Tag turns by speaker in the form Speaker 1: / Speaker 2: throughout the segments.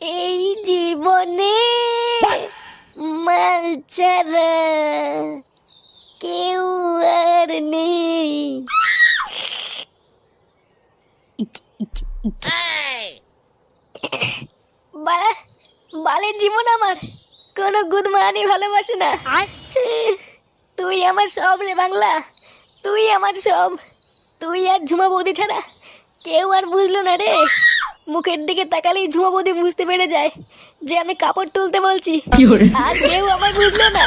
Speaker 1: এই জীবনে মাল ছাড়া কেউ আর নেই। বাড়া, বালের জীবন আমার, কোনো গুদমানি ভালোবাসে না। তুই আমার সব রে বাংলা, তুই আমার সব। তুই আর ঝুমা বৌদি ছাড়া কেউ আর বুঝলো না রে। মুখের দিকে তাকালেই ঝুমা বৌদি বুঝতে পেরে যায় যে আমি কাপড় তুলতে বলছি, আর কেউ আমায় বুঝলো না।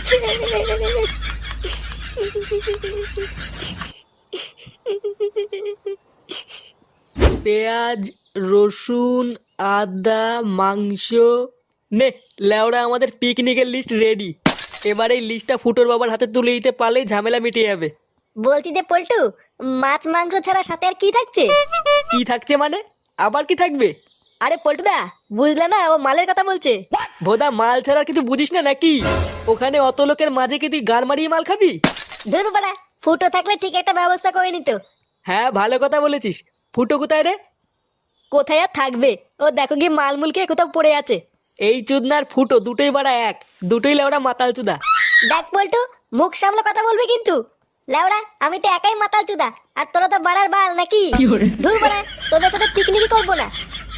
Speaker 2: পেঁয়াজ, রসুন, আদা, মাংস, নে লেওড়া আমাদের পিকনিকের লিস্ট রেডি। এবার এই লিস্টটা ফুটোর বাবার হাতে তুলে দিতে পারলেই ঝামেলা মিটে যাবে।
Speaker 1: বলছি যে পল্টু, মাছ মাংস ছাড়া সাথে আর কি থাকছে?
Speaker 2: কি থাকছে মানে? আবার কি থাকবে?
Speaker 1: আরে পল্টুদা, বুঝলে না, ও মালের কথা বলছে।
Speaker 2: ভোদা, মাল ছাড়া কিছু বুঝিস না নাকি? ওখানে অত লোকের মাঝে কি তুই গাড় মারিয়ে মাল খাবি?
Speaker 1: ধুর বাড়া, ফুটো থাকলে ঠিক একটা ব্যবস্থা করে নিত।
Speaker 2: হ্যাঁ, ভালো কথা বলেছিস। ফুটো কোথায় রে?
Speaker 1: কোথায় আর থাকবে, ও দেখো গিয়ে মালমুল খেয়ে কোথাও পড়ে আছে।
Speaker 2: এই চুদনার ফুটো দুটোই বাড়া এক, দুটোই লেওড়া মাতাল চুদা।
Speaker 1: দেখ পল্টু, মুখ সামলে কথা বলবি কিন্তু। লেওড়া, আমি তো একাই মাতাল চুদা, আর তোরা তো বাড়ার বাল নাকি? ধুর বাড়া, তোদের সাথে পিকনিকই করবো না।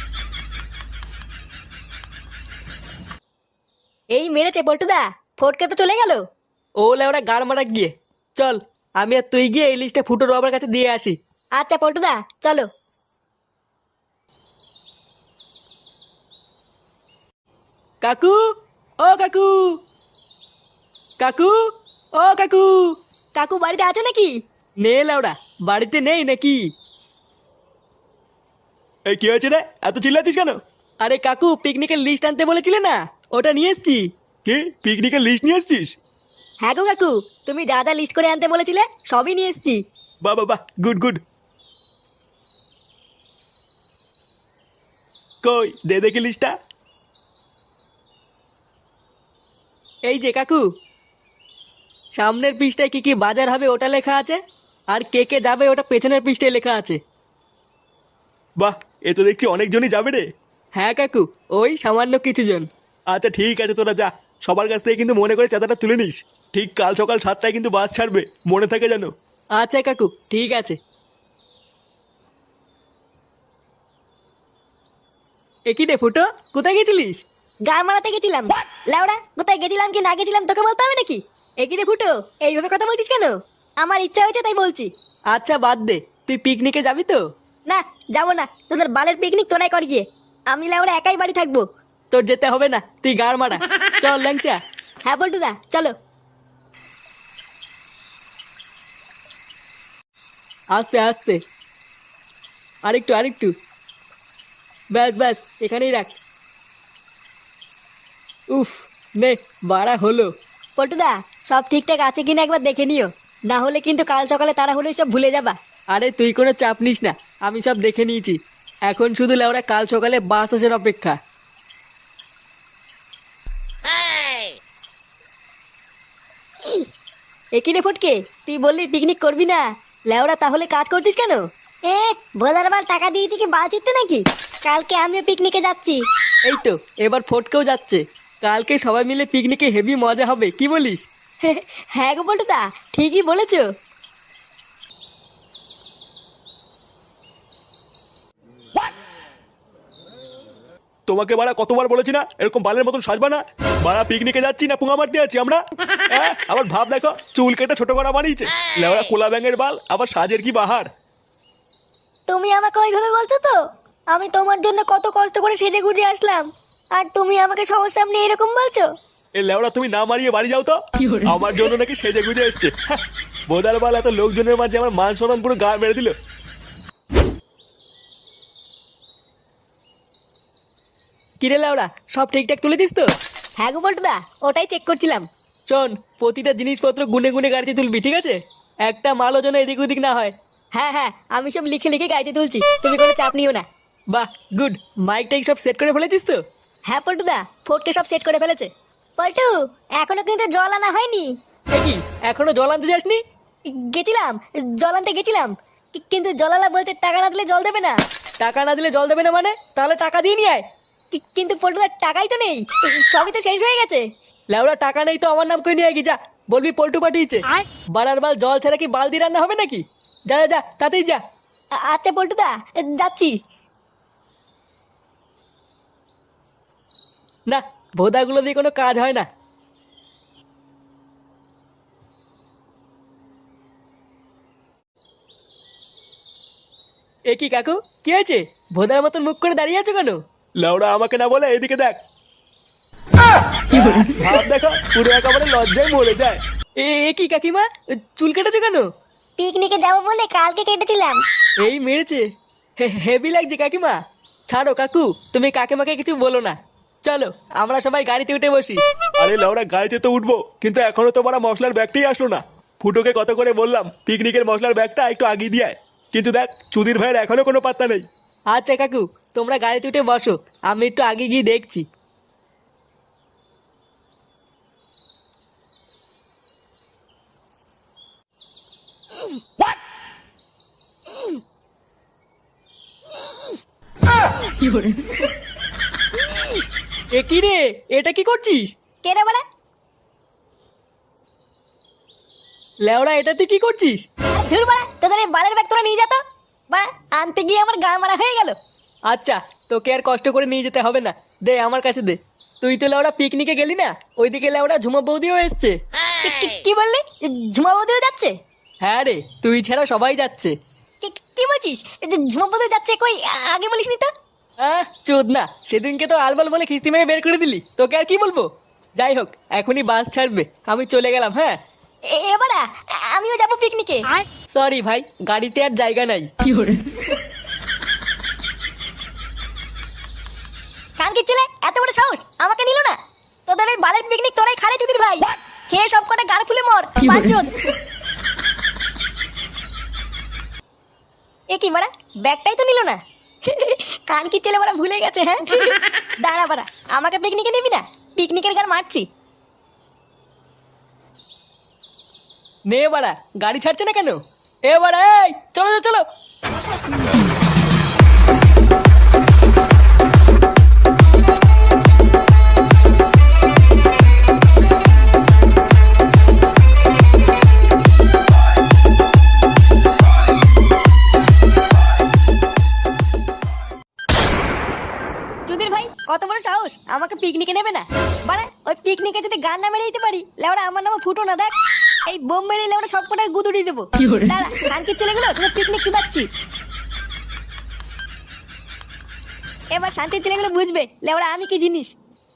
Speaker 1: এই মেরেছে পল্টুদা, ফটকে তো চলে গেল।
Speaker 2: ও লেওড়া গাড় মারা গিয়ে। চল, আমি আর তুই গিয়ে এই লিস্টটা ফুটোর বাবার কাছে দিয়ে আসি।
Speaker 1: আচ্ছা পল্টুদা, চলো।
Speaker 2: কাকু, ও কাকু, কাকু, ও কাকু।
Speaker 1: কাকু বাড়িতে আছো নাকি?
Speaker 2: নে লেওড়া, বাড়িতে নেই নাকি?
Speaker 3: এই কি হয়েছে রে, এত চিল্লাচ্ছিস কেন?
Speaker 2: আরে কাকু, পিকনিকের লিস্ট আনতে বলেছিলে না, ওটা নিয়ে এসছি।
Speaker 3: কি পিকনিকের লিস্ট নিয়ে এসছিস?
Speaker 1: হ্যাঁ গো কাকু, তুমি যা যা লিস্ট করে আনতে বলেছিলে সবই নিয়ে এসেছি।
Speaker 3: বাহ বাহ বাহ, গুড গুড। কই দে দেখি লিস্টটা।
Speaker 2: এই যে কাকু, সামনের পৃষ্ঠায় কি কি বাজার হবে ওটা লেখা আছে, আর কে কে যাবে ওটা পেছনের পৃষ্ঠায় লেখা আছে।
Speaker 3: বাহ, এ তো দেখছি অনেকজনই যাবে রে।
Speaker 2: হ্যাঁ কাকু, ওই সামান্য কিছু জন।
Speaker 3: আচ্ছা ঠিক আছে, তোরা যা। সবার কাছ থেকে কিন্তু মনে করে চাঁদাটা তুলে নিস। ঠিক কাল সকাল 7টায় কিন্তু বাস ছাড়বে, মনে থাকে যেন।
Speaker 2: আচ্ছা কাকু, ঠিক আছে। একই রে ফুটো, কোথায় গেছিলিস?
Speaker 1: গান মারাতে গেছিলাম। লাউড়া, কোথায় গেছিলাম কি না গেছিলাম তোকে বলতে হবে নাকি? একই রে ফুটো, এইভাবে কথা বলছিস কেন? আমার ইচ্ছা হয়েছে তাই বলছি।
Speaker 2: আচ্ছা বাদ দে, তুই পিকনিকে যাবি তো?
Speaker 1: না, যাবো না, তোদের বালের পিকনিক তোরাই কর গিয়ে। আমি লাউড়া একাই বাড়ি থাকবো।
Speaker 2: তোর যেতে হবে না, তুই গাড় মারা। চল ল্যাংচা।
Speaker 1: হ্যাঁ পল্টুদা, চলো।
Speaker 2: আস্তে আস্তে, আরেকটু আরেকটু, ব্যাস ব্যাস, এখানেই রাখ। উফ, নে বাড়া হলো।
Speaker 1: পল্টুদা, সব ঠিকঠাক আছে কিনা একবার দেখে নিও, না হলে কিন্তু কাল সকালে তারা হলে সব ভুলে যাবা।
Speaker 2: আরে তুই কোনো চাপ নিস না, আমি সব দেখে নিয়েছি। এখন শুধু লেওরা কাল সকালে বাস আসার অপেক্ষা।
Speaker 1: একই রে ফটকে, তুই বললি পিকনিক করবি না, লেওরা তাহলে কাজ করছিস কেন? এ ভোলার বার টাকা দিয়েছি কি বাল চিত্তে নাকি? কালকে আমিও পিকনিকে যাচ্ছি।
Speaker 2: এই তো, এবার ফটকেও যাচ্ছে। কালকে সবাই মিলে পিকনিকে হেভি মজা হবে, কি বলিস?
Speaker 1: হ্যাঁ গো পল্টুদা, ঠিকই বলেছো।
Speaker 3: তোমাকে বাড়া কতবার বলেছি না এরকম বালের মতন সাজবা না। বাড়া পিকনিকে যাচ্ছি না পুঙা মারতে যাচ্ছি আমরা? হ্যাঁ, আবার ভাব দেখো, চুল কেটে ছোট করা বানিয়েছে। লেওড়া কোলা ব্যাঙের বাল, আবার সাজের কি বাহার।
Speaker 1: তুমি আমাকে ওইভাবে বলছো তো? আমি তোমার জন্য কত কষ্ট করে সেজে গুজে আসলাম, আর তুমি আমাকে সবার সামনে এরকম বলছো?
Speaker 3: এ লেওড়া, তুমি না মারিয়ে বাড়ি যাও তো। আমার জন্য নাকি সেজে গুজে এসছে। হ্যাঁ, বোদার বাল, এত লোকজনের মাঝে আমার মান সম্মান পুরো গা মেরে দিল।
Speaker 2: কিরে লেওরা, সব ঠিকঠাক তুলে দিস তো?
Speaker 1: হ্যাঁ গো পল্টুদা, ওটাই চেক করছিলাম।
Speaker 2: শোন, প্রতিটা জিনিসপত্র গুনে গুনে গাড়িতে তুলবি, ঠিক আছে? একটা মালও যেন এদিক ওদিক না হয়।
Speaker 1: হ্যাঁ হ্যাঁ, আমি সব লিখে লিখে গাইতে তুলছি, তুমি কোনো চাপ নিও না।
Speaker 2: বাহ, গুড। মাইক টাইক সব সেট করে ফেলেছিস তো?
Speaker 1: হ্যাঁ পল্টুদা, ফোটকে সব সেট করে ফেলেছে। পল্টু, এখনো কিন্তু জল আনা হয়নি।
Speaker 2: এ কি, এখনো জল আনতে যাসনি?
Speaker 1: গেছিলাম, জল আনতে গেছিলাম, কিন্তু জলালা বলছে টাকা না দিলে জল দেবে না।
Speaker 2: টাকা না দিলে জল দেবে না মানে? তাহলে টাকা দিয়ে নিয়ে আয়।
Speaker 1: কিন্তু পল্টুদার টাকাই তো নেই, সবই তো শেষ হয়ে গেছে।
Speaker 2: লেওড়া টাকা নেই তো আমার নাম করে নিয়ে গি, যা বলবি পল্টু পাঠিয়েছে। বাড়ার বাল জল ছাড়া কি বালতি রান্না হবে নাকি? যা যা যা, তাতেই যা।
Speaker 1: আচ্ছা পল্টুদা, যাচ্ছি।
Speaker 2: না, ভোদাগুলো দিয়ে কোনো কাজ হয় না। এ কি কাকু, কি হয়েছে? ভোদার মতন মুখ করে দাঁড়িয়ে আছো কেন?
Speaker 3: লেওড়া আমাকে না বলে এদিকে দেখ। ভাব দেখো, পুরো একেবারে লজ্জায় মরে যায়।
Speaker 2: এ কি কাকিমা, চুল কেটেছো কেন?
Speaker 1: পিকনিকে যাবো বলে কালকে কেটেছিলাম।
Speaker 2: এই মেরেছে, হেভি লাগছে কাকিমা। ছাড়ো কাকু, তুমি কাকিমাকে কিছু বলো না। চলো আমরা সবাই গাড়িতে উঠে বসি।
Speaker 3: আরে লেওড়া গাড়িতে তো উঠবো, কিন্তু এখনো তো বড় মশলার ব্যাগটাই আসলো না। ফুটোকে কত করে বললাম পিকনিকের মশলার ব্যাগটা একটু আগিয়ে দিয়ে আয়, কিন্তু দেখ চুদির ভাইয়ের এখনো কোনো পাত্তা নেই।
Speaker 2: আচ্ছা কাকু, তোমরা গাড়িতে উঠে বসো, আমি একটু আগে গিয়ে দেখছি। এ কি রে, এটা কি করছিস?
Speaker 1: কে রে বাড়া?
Speaker 2: লেওড়া, এটা তুই কি করছিস?
Speaker 1: ধুর বাড়া, তোদের এই বালের ব্যাগ তোরা নিয়ে যা তো। বাড়া, আনতে গিয়ে আমার গা মারা হয়ে গেল।
Speaker 2: আচ্ছা, তোকে আর কষ্ট করে নিয়ে যেতে হবে না, দে আমার কাছে দে। তুই তো লেওড়া পিকনিকে গেলি না, ওইদিকে লেওড়া ঝুমা বৌদিও এসছে।
Speaker 1: কি বললি? ঝুমা বৌদিও যাচ্ছে?
Speaker 2: হ্যাঁ রে, তুই ছাড়া সবাই যাচ্ছে।
Speaker 1: কি বলছিস? ঝুমা বৌদি যাচ্ছে কই? আগে বলিসনি তো।
Speaker 2: চোদ না, সেদিনকে তো আলবাল বলে খিস্তি মেরে বের করে দিলি, তোকে আর কি বলবো। যাই হোক, এখনই বাস ছাড়বে, আমি চলে গেলাম। হ্যাঁ
Speaker 1: এবারা আমিও যাবো পিকনিকে।
Speaker 2: সরি ভাই, গাড়িতে আর জায়গা নাই।
Speaker 1: কান কি ছেলে, এত বড় সাহস, আমাকে নিল না? তোদের এই বালের পিকনিক তোরাই খালে চুদির ভাই। খেয়ে সব কটা গাল ফুলে মর পাঁচজন। এ কি বাড়া, ব্যাগটাই তো নিল না। কান কি ছেলে বাড়া ভুলে গেছে। হ্যাঁ দাঁড়া বাড়া, আমাকে পিকনিকে নিবি না? পিকনিকের গান মারছি।
Speaker 2: নে বাড়া, গাড়ি ছাড়ছে না কেন? এ বাড়া, এই চলো চলো।
Speaker 1: চুদির ভাই, কত বড় সাহস, আমাকে পিকনিকে নেবে না? বাড়া, ওই পিকনিকে যদি গান না মেরে দিতে পারি, লেওড়া আমার নামে ফুটো না। দেখ এই বোম মেরে লেওড়া সব কটার গুদুড়ি দেবো। দাঁড়া, কান কি চলে গেলো, তোদের পিকনিক চুদাচ্ছি। এবার শান্তির ছেলেগুলো বুঝবে লেওড়া আমি কি জিনিস।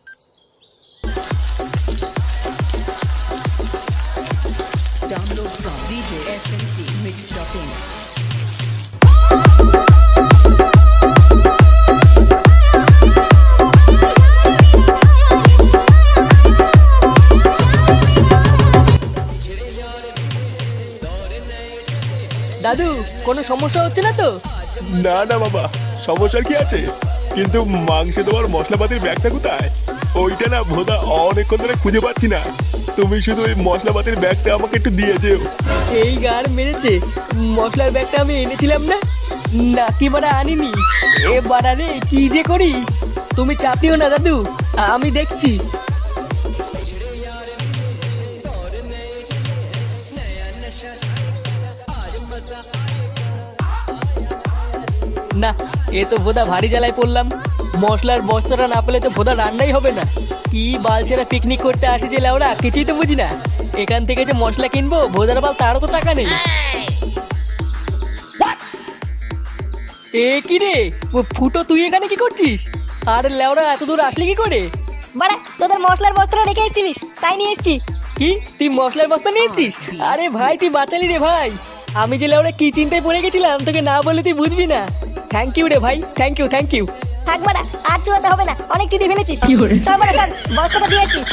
Speaker 4: Download from djsmcmix.in.
Speaker 2: দাদু, কোনো সমস্যা হচ্ছে না তো?
Speaker 3: না না বাবা, সমস্যার কি আছে, কিন্তু মাংসে দেওয়ার মশলাপাতির ব্যাগটা কোথায়? ওইটা না ভোদা অনেকক্ষণ ধরে খুঁজে পাচ্ছি না। তুমি শুধু ওই মশলাপাতির ব্যাগটা আমাকে একটু দিয়ে যেও।
Speaker 2: এই গার মেরেছে, মশলার ব্যাগটা আমি এনেছিলাম না, নাকি বাড়া আনিনি? এ বাড়া রে, কি যে করি। তুমি চাপিও না দাদু, আমি দেখছি। না, এ তো ভোদা ভারী জ্বালায় পড়লাম। মশলার বস্তাটা না পেলে তো ভোদা রান্নাই হবে না। কি বালছেরা পিকনিক করতে আসে যে লেওড়া, কিছুই তো বুঝি না। এখান থেকে যে মশলা কিনবো, ভোদার বাল তারও তো টাকা নেই। এ কি রে, ফুটো তুই এখানে কি করছিস? আর লেওড়া এত দূর আসলি কি করে?
Speaker 1: বাড়া, তোদের মশলার বস্তাটা রেখে এসেছিলিস, তাই নিয়ে এসেছি।
Speaker 2: কি, তুই মশলার বস্তা নিয়ে এসছিস? আরে ভাই, তুই বাঁচালি রে ভাই। আমি যে লেওড়া কি চিন্তায় পড়ে গেছিলাম, তোকে না বলে তুই বুঝবি না। থ্যাংক ইউ রে ভাই, থ্যাংক ইউ থ্যাংক ইউ।
Speaker 1: থাক বাড়া, আর চুয়াতে হবে না, অনেক চুদি ফেলেছিস। চল বাড়া, চল বস্তাটা দিয়ে আসি।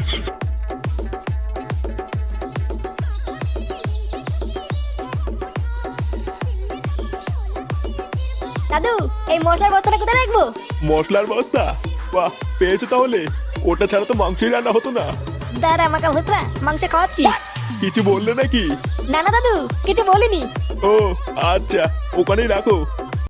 Speaker 1: দাদু, এই মশলার বস্তাটা কোথায় রাখবো?
Speaker 3: মশলার বস্তা? বাহ, পেয়েছো তাহলে। ওটা ছাড়া তো মাংসই রান্না হতো না।
Speaker 1: দাঁড়া আমাকে ভুসরা, মাংস খাওয়াচ্ছি।
Speaker 3: কিছু বললে নাকি?
Speaker 1: না না দাদু, কিছু বলিনি।
Speaker 3: ও আচ্ছা, ওখানেই রাখো।